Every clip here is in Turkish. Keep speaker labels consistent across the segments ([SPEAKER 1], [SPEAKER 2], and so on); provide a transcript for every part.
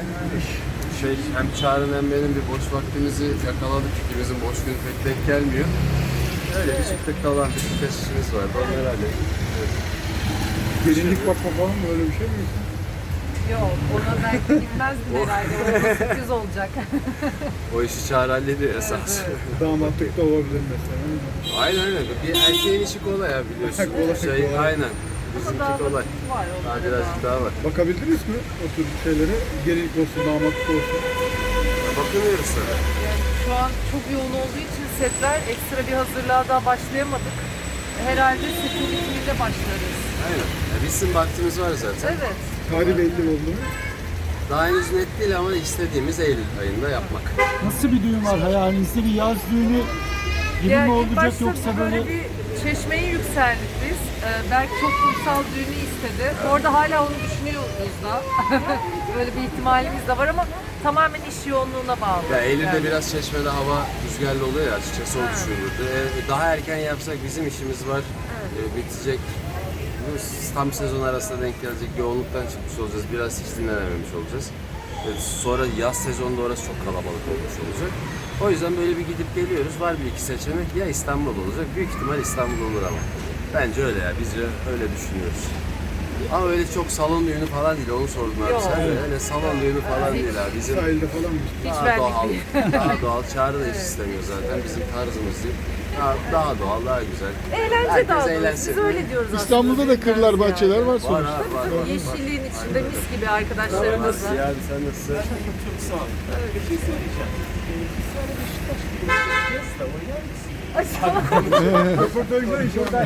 [SPEAKER 1] Hem Çağrı'nın hem benim bir boş vaktimizi yakaladık. İkimizin boş günü pek denk gelmiyor. Öyle bir çiftlik kalan bir birkaç işimiz vardı. Onları hallettik. Evet.
[SPEAKER 2] Gelinlik bakma falan mı, öyle bir şey mi?
[SPEAKER 3] Yok, ona belki bilmezdim herhalde. O sürpriz olacak.
[SPEAKER 1] O işi Çağrı hallediyor esas.
[SPEAKER 2] Damatlık da olabilir mesela.
[SPEAKER 1] Aynen öyle. Bir erkeğin işi kolay ya biliyorsun.
[SPEAKER 2] Kolay.
[SPEAKER 1] Aynen. Bizimki kolay.
[SPEAKER 3] Var
[SPEAKER 1] Daha
[SPEAKER 3] onlarda
[SPEAKER 1] birazcık
[SPEAKER 3] da.
[SPEAKER 1] daha var.
[SPEAKER 2] Bakabildiniz mi o tür şeylere? Gelinlik olsun, damatlık olsun.
[SPEAKER 1] Bakıyoruz tabii.
[SPEAKER 3] Yani şu an çok yoğun olduğu için setler ekstra bir hazırlığa daha başlayamadık. Herhalde setin bitiminde başlarız.
[SPEAKER 1] Aynen. Bizim vaktimiz var zaten.
[SPEAKER 3] Evet.
[SPEAKER 2] Tarih belli oldu mu?
[SPEAKER 1] Daha henüz net değil ama istediğimiz Eylül ayında yapmak.
[SPEAKER 4] Nasıl bir düğün var hayalinizde? Bir yaz düğünü gibi
[SPEAKER 3] Yani
[SPEAKER 4] mi
[SPEAKER 3] ilk
[SPEAKER 4] olacak
[SPEAKER 3] başta
[SPEAKER 4] yoksa
[SPEAKER 3] böyle
[SPEAKER 4] böyle...
[SPEAKER 3] bir çeşmeyi yükseldik biz. Belki çok kumsal düğünü istedi. Orada hala onu düşünüyoruz da. Böyle bir ihtimalimiz de var ama tamamen iş yoğunluğuna bağlı.
[SPEAKER 1] Ya Eylül'de
[SPEAKER 3] Yani.
[SPEAKER 1] biraz Çeşme'de hava rüzgarlı oluyor ya açıkçası o düşünüldü. Daha erken yapsak bizim işimiz var. Bitecek. Tam sezon arasında denk gelecek yoğunluktan çıkmış olacağız. Biraz hiç dinlenememiş olacağız. Sonra yaz sezonunda orası çok kalabalık olmuş olacak. O yüzden böyle bir gidip geliyoruz. Var bir iki seçenek. Ya İstanbul olacak. Büyük ihtimal İstanbul olur ama. Bence öyle ya. Biz öyle düşünüyoruz. Ama öyle çok salon düğünü falan değil. Onu sordum abi
[SPEAKER 3] Yok.
[SPEAKER 1] sen de. Öyle salon düğünü falan değil abi. Bizim
[SPEAKER 2] Sahilde falan mı?
[SPEAKER 3] Hiç
[SPEAKER 1] daha
[SPEAKER 3] benlik
[SPEAKER 1] doğal,
[SPEAKER 3] değil.
[SPEAKER 1] daha doğal. Çağrı da hiç istemiyor zaten. Bizim tarzımız değil. Daha doğal, daha güzel.
[SPEAKER 3] Eğlence
[SPEAKER 1] Herkes
[SPEAKER 3] daha doğrusu.
[SPEAKER 1] eğlensin.
[SPEAKER 3] Biz öyle diyoruz aslında.
[SPEAKER 2] İstanbul'da da kırlar,
[SPEAKER 3] Yani.
[SPEAKER 2] bahçeler var
[SPEAKER 1] Var
[SPEAKER 2] sonuçta.
[SPEAKER 1] abi var.
[SPEAKER 3] Yeşilliğin içinde mis gibi arkadaşlarımız var.
[SPEAKER 1] Ya sen nasılsın?
[SPEAKER 5] Çok sağ ol. Bir şey söyleyeceğim. Sonra Beşiktaş gibi yapacağız da oynar mısın?
[SPEAKER 2] Röportajda inşallah.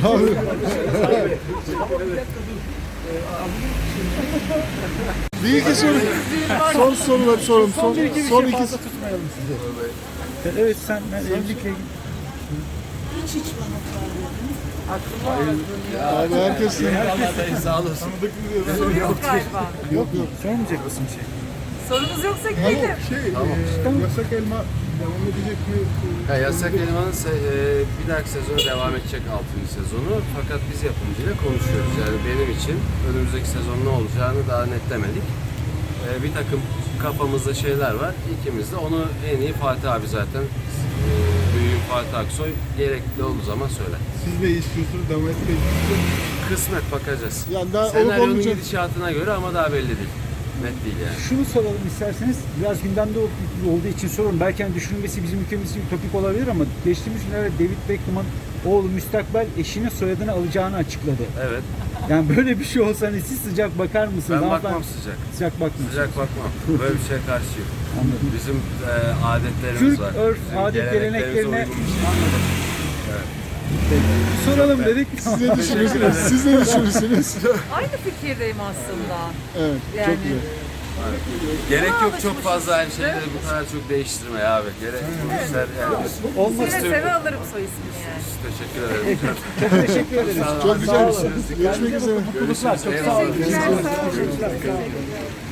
[SPEAKER 2] Bir iki soru. Son soruları sorun. Son iki.
[SPEAKER 4] fazla tutmayalım sizi. Evet sen evlilikle
[SPEAKER 2] Abi herkes
[SPEAKER 1] Sağ olasın.
[SPEAKER 3] Soru yok galiba.
[SPEAKER 2] yok.
[SPEAKER 4] sormayacak mısın şey?
[SPEAKER 3] Sorunuz yoksa
[SPEAKER 2] Tamam,
[SPEAKER 3] gidelim.
[SPEAKER 2] yasak elma devam edecek mi?
[SPEAKER 1] Ya Yasak Elman'ın bir dahaki sezonu devam edecek 6. sezonu. Fakat biz yapımcıyla konuşuyoruz. Yani benim için önümüzdeki sezon ne olacağını daha netlemedik. Bir takım kafamızda şeyler var. İkimiz de onu en iyi Fatih abi zaten. Büyüğüm Fatih Aksoy gerekli olduğu zaman söyler.
[SPEAKER 2] Siz ne istiyorsunuz? Devam etmek
[SPEAKER 1] Kısmet bakacağız.
[SPEAKER 2] Yani daha olup
[SPEAKER 1] Senaryonun
[SPEAKER 2] olmayacak.
[SPEAKER 1] gidişatına göre ama daha belli değil. Net değil yani.
[SPEAKER 4] Şunu soralım isterseniz, biraz gündemde olduğu için sorun. Belki hani düşünülmesi bizim ülkemiz için ütopik olabilir ama geçtiğimiz günlerde David Beckham'ın oğlu müstakbel eşinin soyadını alacağını açıkladı.
[SPEAKER 1] Evet.
[SPEAKER 4] Yani böyle bir şey olsa hani siz sıcak bakar mısınız?
[SPEAKER 1] Ben
[SPEAKER 4] Hanımefendi?
[SPEAKER 1] bakmam sıcak.
[SPEAKER 4] Sıcak bakmıyorsunuz.
[SPEAKER 1] Sıcak bakmam. Böyle bir şeye karşıyım.
[SPEAKER 4] Anladım.
[SPEAKER 1] Bizim adetlerimiz
[SPEAKER 4] Türk
[SPEAKER 1] var.
[SPEAKER 4] örf,
[SPEAKER 1] Bizim
[SPEAKER 4] adet, geleneklerine
[SPEAKER 1] uygun bir şey.
[SPEAKER 4] anladım. Soralım dedik.
[SPEAKER 2] Siz ne düşünürsünüz? Siz ne düşünürsünüz?
[SPEAKER 3] Aynı fikirdeyim aslında.
[SPEAKER 2] Evet,
[SPEAKER 3] Yani.
[SPEAKER 2] çok güzel.
[SPEAKER 1] Gerek yok
[SPEAKER 3] Alışmışız
[SPEAKER 1] çok fazla her
[SPEAKER 3] işte.
[SPEAKER 1] şeyleri bu kadar çok değiştirme ya abi. Gerek işler yani.
[SPEAKER 4] Olmaz.
[SPEAKER 3] Seve seve alırım soy ismini yani.
[SPEAKER 1] Teşekkür ederim.
[SPEAKER 4] Çok teşekkür ederiz.
[SPEAKER 2] Çok güzel bir şey. Görüşmek üzere.
[SPEAKER 4] Mutluluklar. Çok sağ olun.
[SPEAKER 3] Teşekkürler. Sağ olun.